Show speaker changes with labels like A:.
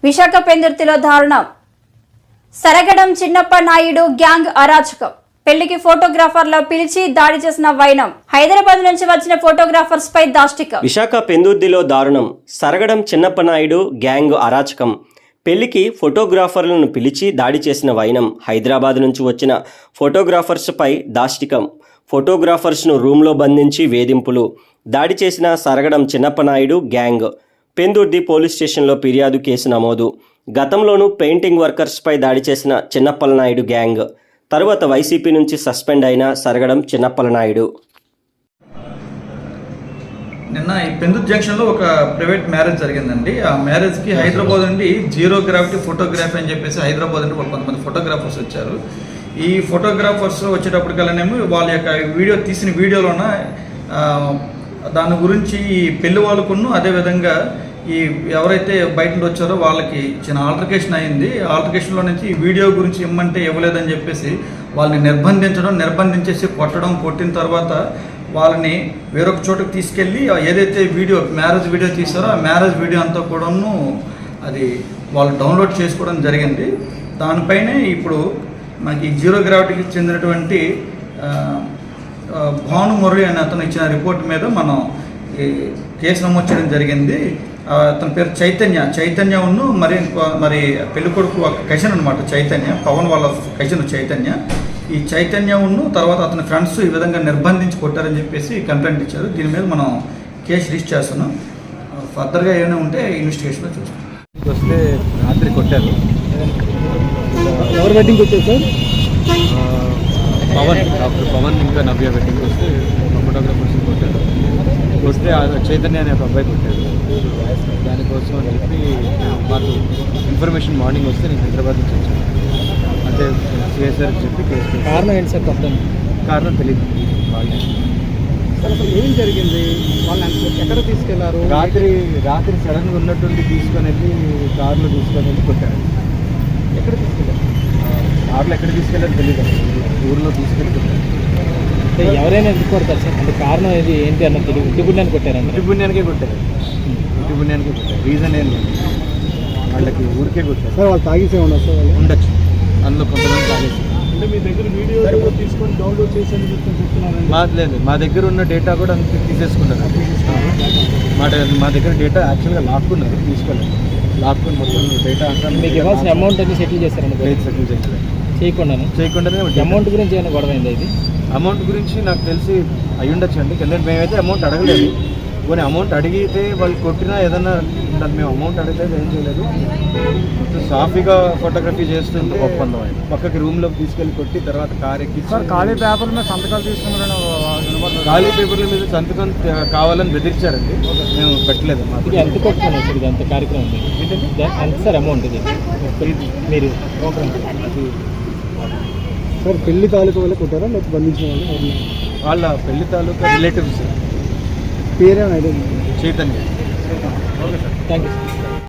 A: విశాఖ పెందుర్తిలో దారుణం. సరగడం చిన్నప్ప నాయుడు గ్యాంగ్ అరాచకం. పెళ్లికి ఫోటోగ్రాఫర్లో పిలిచి దాడి చేసిన వైనం. హైదరాబాద్ నుంచి వచ్చిన ఫోటోగ్రాఫర్స్ పై దాష్టికం.
B: విశాఖ పెందుర్తిలో దారుణం. సరగడం చిన్నప్ప నాయుడు గ్యాంగ్ అరాచకం. పెళ్లికి ఫోటోగ్రాఫర్లను పిలిచి దాడి చేసిన వైనం. హైదరాబాద్ నుంచి వచ్చిన ఫోటోగ్రాఫర్స్ పై దాష్టికం. ఫోటోగ్రాఫర్స్ను రూమ్లో బంధించి వేధింపులు. దాడి చేసిన సరగడం చిన్నప్ప నాయుడు గ్యాంగ్. పెందుర్తి పోలీస్ స్టేషన్లో ఫిర్యాదు కేసు నమోదు. గతంలోనూ పెయింటింగ్ వర్కర్స్పై దాడి చేసిన చిన్నప్పల నాయుడు గ్యాంగ్. తరువాత వైసీపీ నుంచి సస్పెండ్ అయిన సరగడం చిన్నప్పల నాయుడు.
C: నిన్న ఈ పెందుర్తి జంక్షన్లో ఒక ప్రైవేట్ మ్యారేజ్ జరిగిందండి. ఆ మ్యారేజ్కి హైదరాబాద్ నుండి జీరో గ్రావిటీ ఫోటోగ్రఫీ అని చెప్పేసి హైదరాబాద్ నుండి కొంతమంది ఫోటోగ్రాఫర్స్ వచ్చారు. ఈ ఫోటోగ్రాఫర్స్ వచ్చేటప్పటికల్లానేమో వాళ్ళ యొక్క వీడియో తీసిన వీడియోలోన దాని గురించి ఈ పెళ్లి వాళ్ళకును అదేవిధంగా ఈ ఎవరైతే బయట నుండి వచ్చారో వాళ్ళకి చిన్న ఆల్టర్కేషన్ అయింది. ఆల్టర్కేషన్లో నుంచి ఈ వీడియో గురించి ఇమ్మంటే ఇవ్వలేదని చెప్పేసి వాళ్ళని నిర్బంధించేసి కొట్టిన తర్వాత వాళ్ళని వేరొక చోటుకు తీసుకెళ్ళి ఏదైతే మ్యారేజ్ వీడియో తీసారో ఆ మ్యారేజ్ వీడియో అంతా కూడాను అది వాళ్ళు డౌన్లోడ్ చేసుకోవడం జరిగింది. దానిపైనే ఇప్పుడు మనకి జీరో గ్రావిటీకి చెందినటువంటి భానుమురళి అనే అతను ఇచ్చిన రిపోర్ట్ మీద మనం కేసు నమోదు చేయడం జరిగింది. అతని పేరు చైతన్యను మరి పెళ్ళికొడుకు కజిన్ అనమాట చైతన్య, పవన్ వాళ్ళ కజిన్ చైతన్య. ఈ చైతన్యను తర్వాత అతని ఫ్రెండ్స్ ఈ విధంగా నిర్బంధించి కొట్టారని చెప్పేసి కంప్లైంట్ ఇచ్చారు. దీని మీద మనం కేసు రిజిస్టర్ చేస్తున్నాం. ఫర్దర్గా ఏమైనా ఉంటే ఇన్వెస్టిగేషన్లో చూస్తాం.
D: వస్తే రాత్రి కొట్టారు.
E: ఎవరు వెడ్డింగ్కి వచ్చారు సార్?
D: డాక్టర్ పవన్ ఇంకా నవ్య వెడ్డింగ్కి వస్తే ఫోటోగ్రాఫర్స్ కొట్టారు. వస్తే చైతన్య అనే ఒక అబ్బాయి కొట్టారు. దానికోసం అని చెప్పి మాకు ఇన్ఫర్మేషన్ మార్నింగ్ వస్తే నేను హైదరాబాద్ నుంచి వచ్చాను. అంటే సిఎస్ఆర్ చెప్పి కేసు.
E: కారణం ఏంటి సార్?
D: కారణం తెలియదు.
E: సార్ అసలు ఏం జరిగింది? వాళ్ళని ఎక్కడ తీసుకెళ్లారు?
D: రాత్రి సడన్గా ఉన్నట్టుండి తీసుకొని వెళ్ళి కార్లో తీసుకొని వెళ్ళి కొట్టారు.
E: ఎక్కడ తీసుకెళ్ళారు?
D: కార్లో ఎక్కడ తీసుకెళ్ళారు తెలియదు. ఊరిలో తీసుకెళ్ళి కొట్టారు.
E: ఎవరైనా ఎందుకు కొడతారు సార్? అంటే కారణం ఇది ఏంటి అన్న తెలియదు. ఇంటి పుణ్యానికి కొట్టారండి.
D: ఇంటి పుణ్యానికే కొట్టారు. రీజన్ ఏం లేదు. వాళ్ళకి ఊరికే కొట్టారు.
E: సార్ వాళ్ళు తాగేసే ఉన్నారు సార్?
D: ఉండొచ్చు, అందులో కొంతమంది తాగేసి.
E: అంటే మీ దగ్గర వీడియో తీసుకొని డౌన్లోడ్ చేసి చెప్తున్నారు?
D: లేదు, మా దగ్గర ఉన్న డేటా కూడా అంత తీసేసుకున్నారు. మా దగ్గర డేటా యాక్చువల్గా లాక్కున్నారు, తీసుకోలేదు. లాక్కుని మొత్తం డేటా అంతా.
E: మీకు ఇవ్వాల్సిన అమౌంట్ అన్ని సెటిల్ చేస్తారండి?
D: సెటిల్ చేయకుండానే
E: అమౌంట్ గురించి ఏమైనా గొడవ అయింది? ఇది
D: అమౌంట్ గురించి నాకు తెలిసి అయ్యి ఉండొచ్చు అండి. ఎందుకంటే మేమైతే అమౌంట్ అడగలేదు. పోనీ అమౌంట్ అడిగితే వాళ్ళు కొట్టినా ఏదన్నా ఉండాలి. మేము అమౌంట్ అడగలేదు, ఏం చేయలేదు. మొత్తం సాఫీగా ఫోటోగ్రఫీ చేస్తుంది. ఒప్పందం ఆయన పక్కకి రూమ్లోకి తీసుకెళ్ళి కొట్టి తర్వాత కార్ ఎక్కి
E: ఖాళీ పేపర్ మీద సంతకాలు తీసుకున్నారని.
D: ఖాళీ పేపర్ల మీద సంతకం కావాలని బెదిరించారండి. మేము పెట్టలేదు. మాకు
E: ఎంత కొట్టుకున్నాం సార్? ఇది అంత కార్యక్రమం ఏంటంటే ఎంత సార్ అమౌంట్? ఇది మీరు
D: అది
E: సార్ పెళ్లి తాలూకా వల్ల కొట్టారా లేకపోతే బంధించిన వాళ్ళు?
D: వాళ్ళ పెళ్లి తాలూకా రిలేటివ్స్.
E: పేరేమైనా
D: Chaitanya.
E: Okay sir, thank you sir.